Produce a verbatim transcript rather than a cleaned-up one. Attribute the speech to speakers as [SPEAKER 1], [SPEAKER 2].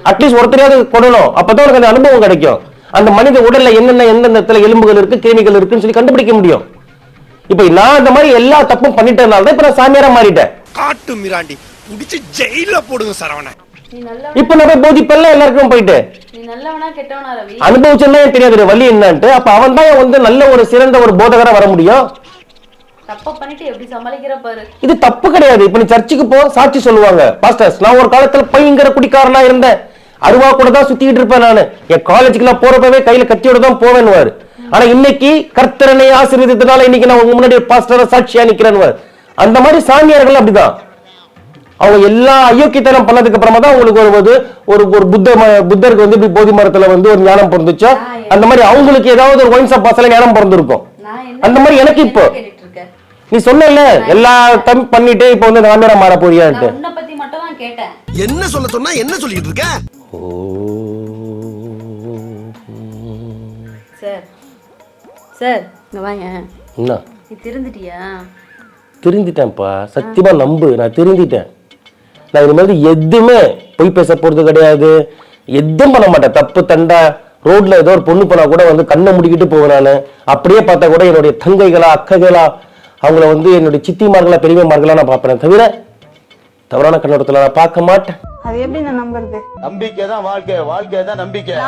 [SPEAKER 1] At least ஒருத்தரையாவது கொடணும், அப்பதான் உனக்கு அந்த அனுபவம் கிடைக்கும். அந்த மனித உடல்ல என்னென்ன எந்தெந்த இடத்துல எலும்புகள் இருக்கு, கிருமிகள் இருக்குன்னு சொல்லி கண்டுபிடிக்க முடியும். இப்ப நான் அந்த மாதிரி எல்லா தப்பும் பண்ணிட்டதுனால தான் இப்ப நான் சாமியாரா மாறிட்டேன்.
[SPEAKER 2] காட்டு மிராண்டி புடிச்சு ஜெயில போடுங்க சரவண.
[SPEAKER 1] இப்ப நான் போய் போதிப்பெல்லாம் எல்லாருக்கும் போயிட்டு அனுபவிச்சா எனக்கு தெரியாது வழி என்னன்ட்டு. அப்ப அவன் தான் வந்து நல்ல ஒரு சிறந்த ஒரு போதகரா வர முடியும். இது தப்பு கிடையாது. இப்ப நீ சர்ச்சுக்கு போ, சாட்சி சொல்லுவாங்க பாஸ்டர்ஸ், நான் ஒரு காலத்துல பயங்கர குடிக்காரனா இருந்தேன், அருவா கூட தான் சுத்திட்டு இருப்பேன், நானு என் காலேஜுக்கு எல்லாம் போறப்பவே கையில கத்தியோட தான் போவேன்னுவாரு. ஆனா இன்னைக்கு கர்த்தரனை ஆசீர்வதித்ததால இன்னைக்கு நான் உங்க முன்னாடி பாஸ்டரா சாட்சியா நிக்கிறேன்னு. அந்த மாதிரி சாமியார்கள் அப்படிதான். அவங்க எல்லா அயோக்கியத்தனம் பண்ணதுக்கு அப்புறமா தான் உங்களுக்கு ஒரு ஒரு ஒரு புத்த புத்தருக்கு வந்து இப்படி போதி மரத்துல வந்து ஒரு ஞானம் பிறந்துச்சா, அந்த மாதிரி அவங்களுக்கு ஏதாவது ஒரு ஒயின்ஸ் பாஸ்ல ஞானம் பிறந்திருக்கும். அந்த மாதிரி எனக்கு இப்போ நீ சொன்ன எல்லா தம் பண்ணிட்டு இப்ப வந்து சாமியாரா மாற போறியான்ட்டு
[SPEAKER 2] என்ன சொல்ல சொன்னா என்ன சொல்லிட்டு இருக்க?
[SPEAKER 3] சார் சார் இங்க வாங்க.
[SPEAKER 1] என்ன
[SPEAKER 3] நீ திருந்திட்டியா?
[SPEAKER 1] திருந்திட்டேன்ப்பா, சத்தியமா நம்பு, நான் திருந்திட்டேன். நான் இனிமேல் எதுவுமே பொய் பேச போறது கிடையாது, எதுவும் பண்ண மாட்டேன். தப்பு தண்டா ரோட்ல ஏதோ ஒரு பொண்ணு போனா கூட வந்து கண்ணை முடிக்கிட்டு போவேன். நான் அப்படியே பார்த்தா கூட என்னுடைய தங்கைகளா அக்கைகளா அவங்கள வந்து என்னுடைய சித்திமார்களா பெரியமார்களா நான் பார்ப்பேன், தவிர தவறான கண்ணோட்டத்துல நான் பார்க்க மாட்டேன்.
[SPEAKER 4] அது எப்படி நான் நம்புறது?
[SPEAKER 5] நம்பிக்கை தான் வாழ்க்கை, வாழ்க்கை தான் நம்பிக்கை.